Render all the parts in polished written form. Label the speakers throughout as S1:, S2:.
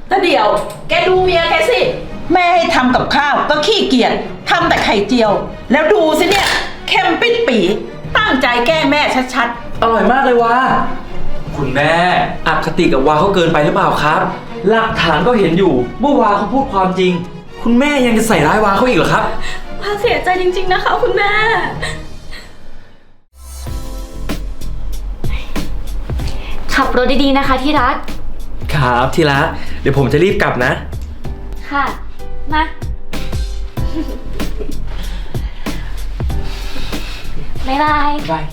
S1: แต่เดี๋ยวแกดูเมียแกสิแม่ให้ทำกับข้าวก็ขี้เกียจทำแต่ไข่เจียวแล้วดูสิเนี่ยเค็มปิดปีตั้งใจแกล้งแม่ชัด
S2: อร่อยมากเลยวาคุณแม่อคติกับวาเขาเกินไปหรือเปล่าครับหลักฐานก็เห็นอยู่เมื่อวาเขาพูดความจริงคุณแม่ยังจะใส่ร้ายวาเขาอีกเหรอครับ
S3: วาเสียใจจริงๆนะคะคุณแม่ขับรถดีๆนะคะที่รัก
S2: ครับที่รักเดี๋ยวผมจะรีบกลับนะ
S3: ค่ะมาบ๊ายบาย
S2: บาย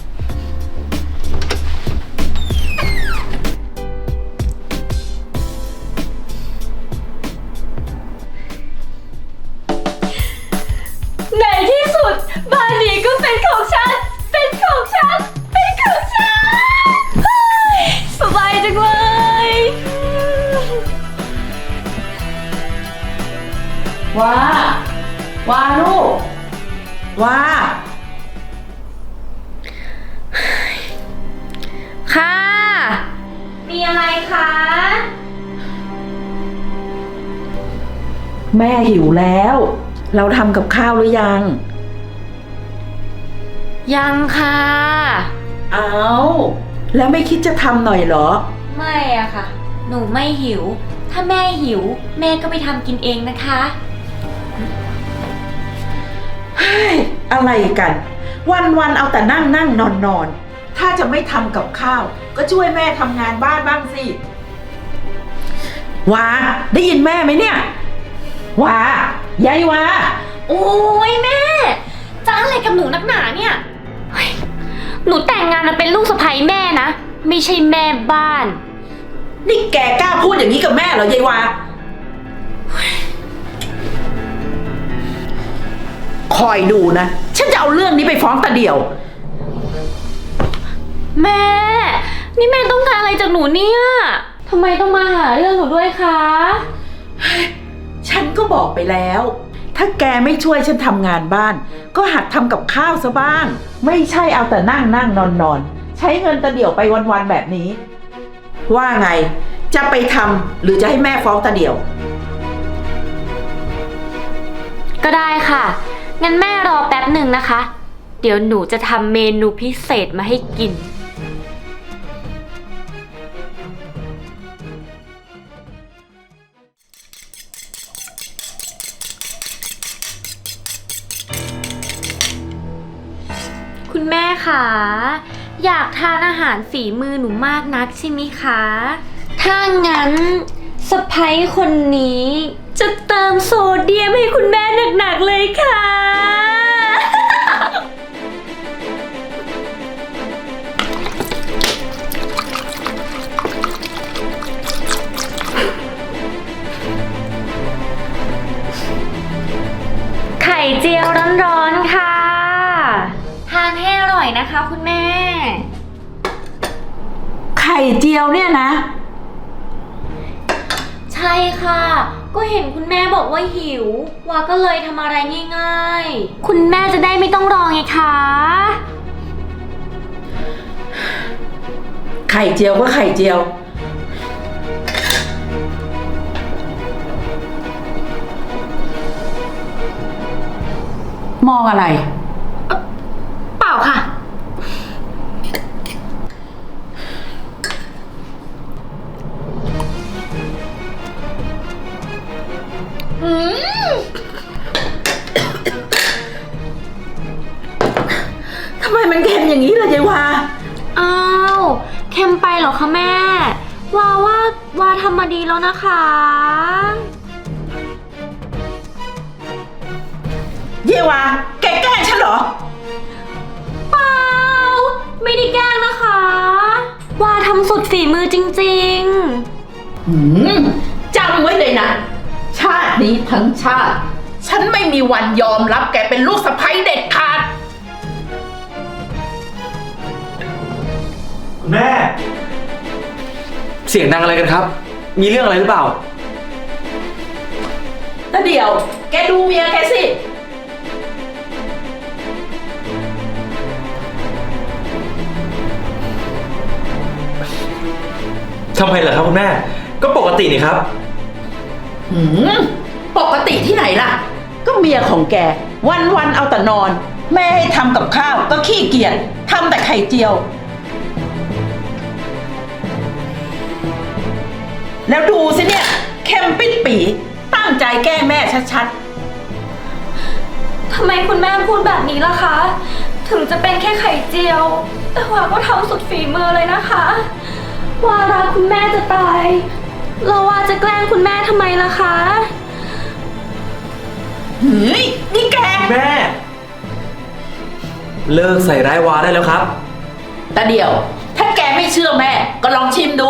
S3: ในที่สุดบ้านนี้ก็เป็นของฉันเป็นของฉันเป็นของฉันสบายจังเลย
S1: ว้าลูกว้า
S3: ค่ะ มีอะไรคะ
S1: แม่หิวแล้วเราทำกับข้าวหรือยัง
S3: ยังค่ะ
S1: เอาแล้วไม่คิดจะทำหน่อยเหรอ
S3: ไม่อะค่ะหนูไม่หิวถ้าแม่หิวแม่ก็ไปทำกินเองนะคะ
S1: เฮ้ยอะไรกันวันเอาแต่นั่งนอนถ้าจะไม่ทำกับข้าวก็ช่วยแม่ทำงานบ้านบ้างสิว้าได้ยินแม่ไหมเนี่ยว้ายายว้า
S3: โอ้ยแม่จะอะไรกับหนูนักหนาเนี่ยหนูแต่งงานมาเป็นลูกสะใภ้แม่นะไม่ใช่แม่บ้าน
S1: นี่แกกล้าพูดอย่างนี้กับแม่เหรอยายวาคอยดูนะฉันจะเอาเรื่องนี้ไปฟ้องตาเดี่ยว
S3: แม่นี่แม่ต้องการอะไรจากหนูเนี่ยทำไมต้องมาหาเรื่องหนูด้วยคะ
S1: ฉันก็บอกไปแล้วถ้าแกไม่ช่วยฉันทำงานบ้านก็หัดทำกับข้าวซะบ้างไม่ใช่เอาแต่นั่งนอนใช้เงินตาเดี่ยวไปวันๆแบบนี้ว่าไงจะไปทำหรือจะให้แม่ฟ้องตาเดี่ยว
S3: ก็ได้ค่ะงั้นแม่รอแป๊บหนึ่งนะคะเดี๋ยวหนูจะทำเมนูพิเศษมาให้กินคุณแม่คะอยากทานอาหารฝีมือหนูมากนักใช่ไหมคะถ้างั้นสะใภ้คนนี้จะเติมโซเดียมให้คุณแม่หนักๆเลยค่ะไข่เจียวร้อนๆค่ะทานให้อร่อยนะคะคุณแม่
S1: ไข่เจียวเนี่ยนะ
S3: ใช่ค่ะก็เห็นคุณแม่บอกว่าหิววาก็เลยทำอะไรง่ายๆคุณแม่จะได้ไม่ต้องรอไงคะ
S1: ไข่เจียวก็ไข่เจียวมองอะไร
S3: เปล่าค่ะ
S1: ทำไมมันเค็มอย่างนี้ล่ะยายวา
S3: อ้าวเค็มไปเหรอคะแม่ว่าทำมาดีแล้วนะคะ
S1: เยวาแกแกล้งฉันเหรอ
S3: เปล่าไม่ได้แกล้งนะคะว่าทำสุดฝีมือจริง
S1: ๆจำไว้เลยนะชาตินี้ทั้งชาติฉันไม่มีวันยอมรับแกเป็นลูกสะใภ้เด็ดขาด
S2: คุณแม่เสียงดังอะไรกันครับมีเรื่องอะไรหรือเปล่า
S1: แต่เดี๋ยวแกดูเมียแกสิ
S2: ทำไมเหรอครับคุณแม่ก็ปกตินี่ครับ
S1: หืมปกติที่ไหนล่ะ ก็เมียของแก วันๆเอาแต่นอน แม่ให้ทำกับข้าวก็ขี้เกียจทำแต่ไข่เจียว แล้วดูสิเนี่ยเข้มปิดปีตั้งใจแก้แม่ชัด
S3: ทำไมคุณแม่พูดแบบนี้ล่ะคะ ถึงจะเป็นแค่ไข่เจียว แต่วาก็ทำสุดฝีมือเลยนะคะวารักคุณแม่จะตายแล้ววาจะแกล้งคุณแม่ทำไมล่ะคะ
S1: ๆเฮ้ยนี่แก
S2: แม่ เลิกใส่ร้ายวาได้แล้วครับ
S1: แต่เดี๋ยว ถ้าแกไม่เชื่อแม่ก็ลองชิมดู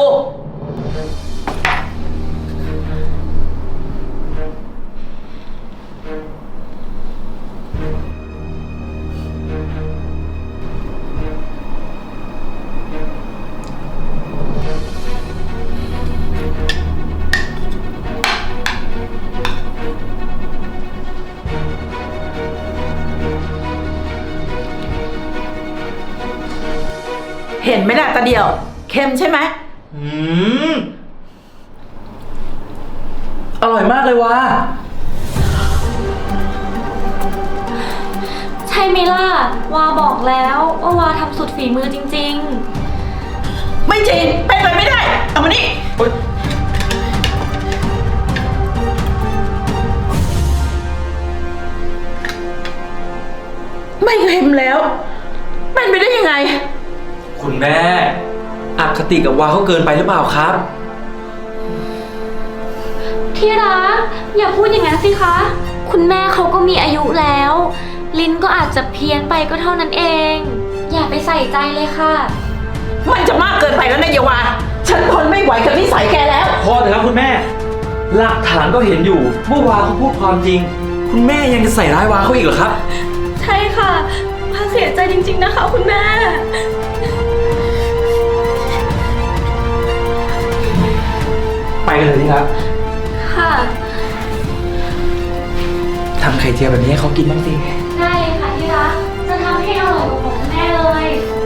S1: เห็นไหมล่ะตาเดียว เค็มใช่ไหม
S2: อืม อร่อยมากเลยวะ
S3: ใช่ไหมล่ะวาบอกแล้วว่าวาทำสุดฝีมือจริง
S1: ไม่จริงเป็นไปไม่ได้ เอามานี่
S2: เฮ้ย
S1: ไม่เค็มแล้ว เป็นไปได้ยังไง
S2: คุณแม่อคติกับวาเขาเกินไปหรือเปล่าครับ
S3: ๆ ที่รักอย่าพูดอย่างนั้นสิคะ คุณแม่เขาก็มีอายุแล้ว ลิ้นก็อาจจะเพี้ยนไปก็เท่านั้นเอง อย่าไปใส่ใจเลยค่ะ
S1: มันจะมากเกินไปแล้วนะเยาวาฉันทนไม่ไหวกับนิสัยแกแล้ว
S2: พอเถอะครับคุณแม่ หลักฐานก็เห็นอยู่เมื่อวาเขาพูดความจริง คุณแม่ยังจะใส่ร้ายวาเขาอีกเหรอครับ
S3: ใช่ค่ะวาเสียใจจริงๆนะคะคุณแม่
S2: ไปกันเลยดีครับ
S3: ค่ะ
S2: ทำไข่เจียวแบบนี้ให้เขากินบ้างสิ
S3: ได้เลยค่ะที่รัก จะทำให้อร่อยกว่าของคุณแม่เลย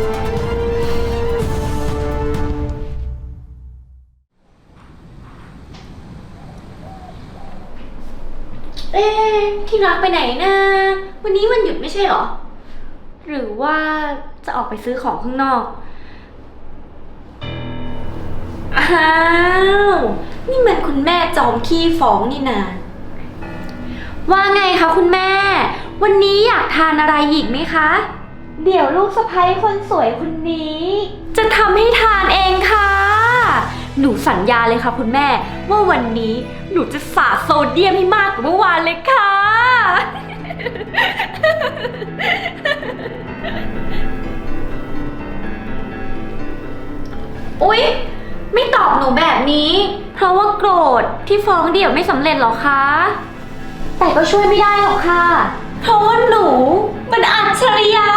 S3: เอ๊ะที่รักไปไหนนะวันนี้วันหยุดไม่ใช่เหรอ หรือว่าจะออกไปซื้อของข้างนอก อ้าว นี่มันคุณแม่จอมขี้ฟ้องนี่นาว่าไงคะคุณแม่ วันนี้อยากทานอะไรอีกไหมคะ เดี๋ยวลูกสะใภ้คนสวยคนนี้ จะทำให้ทานเองค่ะ หนูสัญญาเลยค่ะคุณแม่ ว่าวันนี้หนูจะสาดโซเดียมให้มากกว่าเมื่อวานเลยค่ะ อุ๊ย ไม่ตอบหนูแบบนี้ เพราะว่าโกรธที่ฟ้องเดี่ยวไม่สำเร็จหรอคะ แต่ก็ช่วยไม่ได้หรอกค่ะ เพราะว่าหนูมันอัจฉริยะ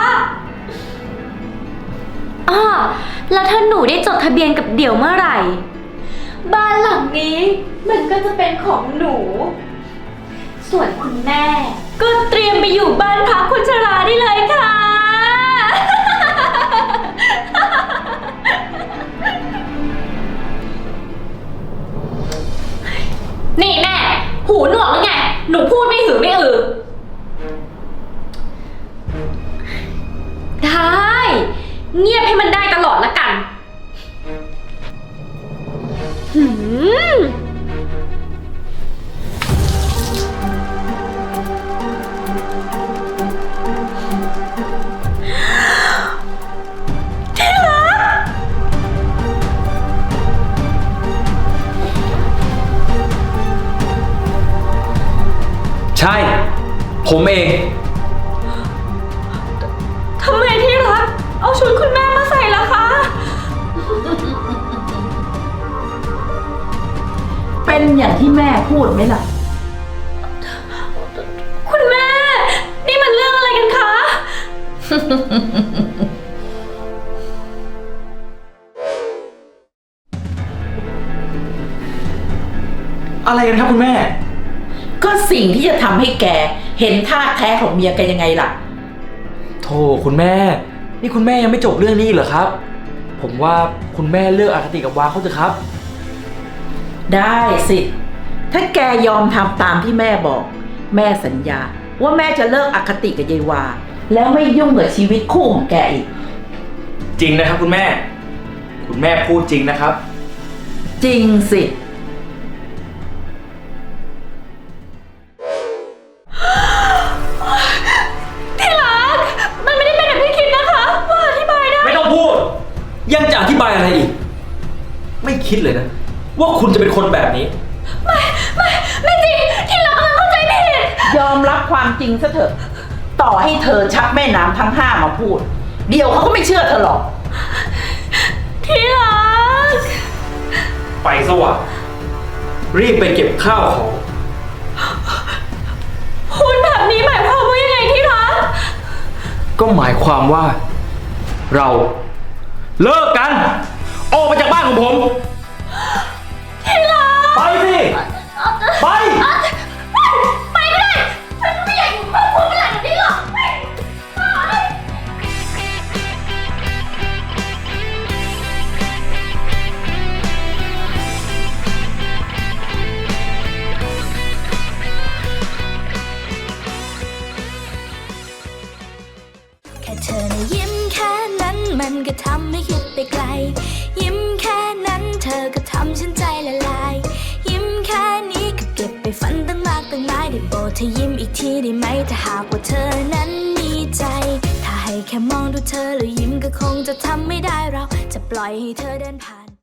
S3: อ้อแล้วถ้าหนูได้จดทะเบียนกับเดี่ยวเมื่อไหร่ บ้านหลังนี้มันก็จะเป็นของหนู ส่วนคุณแม่ ก็เตรียมไปอยู่บ้านพักคนชราได้เลยค่ะ นี่แม่ หูหนวกหรือไง หนูพูดไม่หือไม่อือ ได้ เงียบให้มันได้ตลอดละกันหืมที่รัก
S2: ใช่ ผมเอง
S3: ทำไมที่รัก เอาชุดคุณแม่มาใส่ล่ะคะ
S1: เป็นอย่างที่แม่พูดไหมล่ะ
S3: คุณแม่ นี่มันเรื่องอะไรกันคะ
S2: อะไรกันครับคุณแม่
S1: ก็สิ่งที่จะทำให้แกเห็นท่าแท้ของเมียแกยังไงล่ะ
S2: โธ่คุณแม่ นี่คุณแม่ยังไม่จบเรื่องนี้อีกเหรอครับ ผมว่าคุณแม่เลิกอคติกับวาเขาเถอะครับ
S1: ได้สิถ้าแกยอมทำตามที่แม่บอก แม่สัญญาว่าแม่จะเลิกอคติกับยายวา แล้วไม่ยุ่งกับชีวิตคู่ของแกอีก
S2: จริงนะครับคุณแม่ คุณแม่พูดจริงนะครับ
S1: จริงสิ
S3: ที่รัก มันไม่ได้เป็นแบบที่คิดนะคะว่าอธิบายได้
S2: ไม่ต้องพูด ยังจะอธิบายอะไรอีก ไม่คิดเลยนะ ว่าคุณจะเป็นคนแบบนี้
S3: ไม่จริง ที่รักมันเข้าใจผิด
S1: ยอมรับความจริงซะเถอะ ต่อให้เธอชักแม่น้ำทั้งห้ามาพูด เดี๋ยวเขาก็ไม่เชื่อเธอหรอก
S3: ที่รัก
S2: ไปสว่างรีบไปเก็บข้าวของ
S3: พูดแบบนี้หมายความว่ายังไงที่รัก
S2: ก็หมายความว่า เราเลิกกัน ออกไปจากบ้านของผม
S3: ที่รัก
S2: ไปสิ ไป
S3: ไปก็ได้ฉันไม่อยากอยู่ครอบครัวเป็นหลานแบบนี้หรอกไป
S4: แค่เธอนะยิ้มแค่นั้นมันก็ทำให้คิดไปไกล ยิ้มแค่นั้นเธอก็ทำฉันใจละลาย ยิ้มแค่นี้ก็เก็บไปฝันตั้งมากตั้งหลายได้โปรดเธอยิ้มอีกทีได้ไหมถ้าหากว่าเธอนั้นมีใจ ถ้าให้แค่มองดูเธอแล้วยิ้มก็คงจะทำไม่ได้เราจะปล่อยให้เธอเดินผ่าน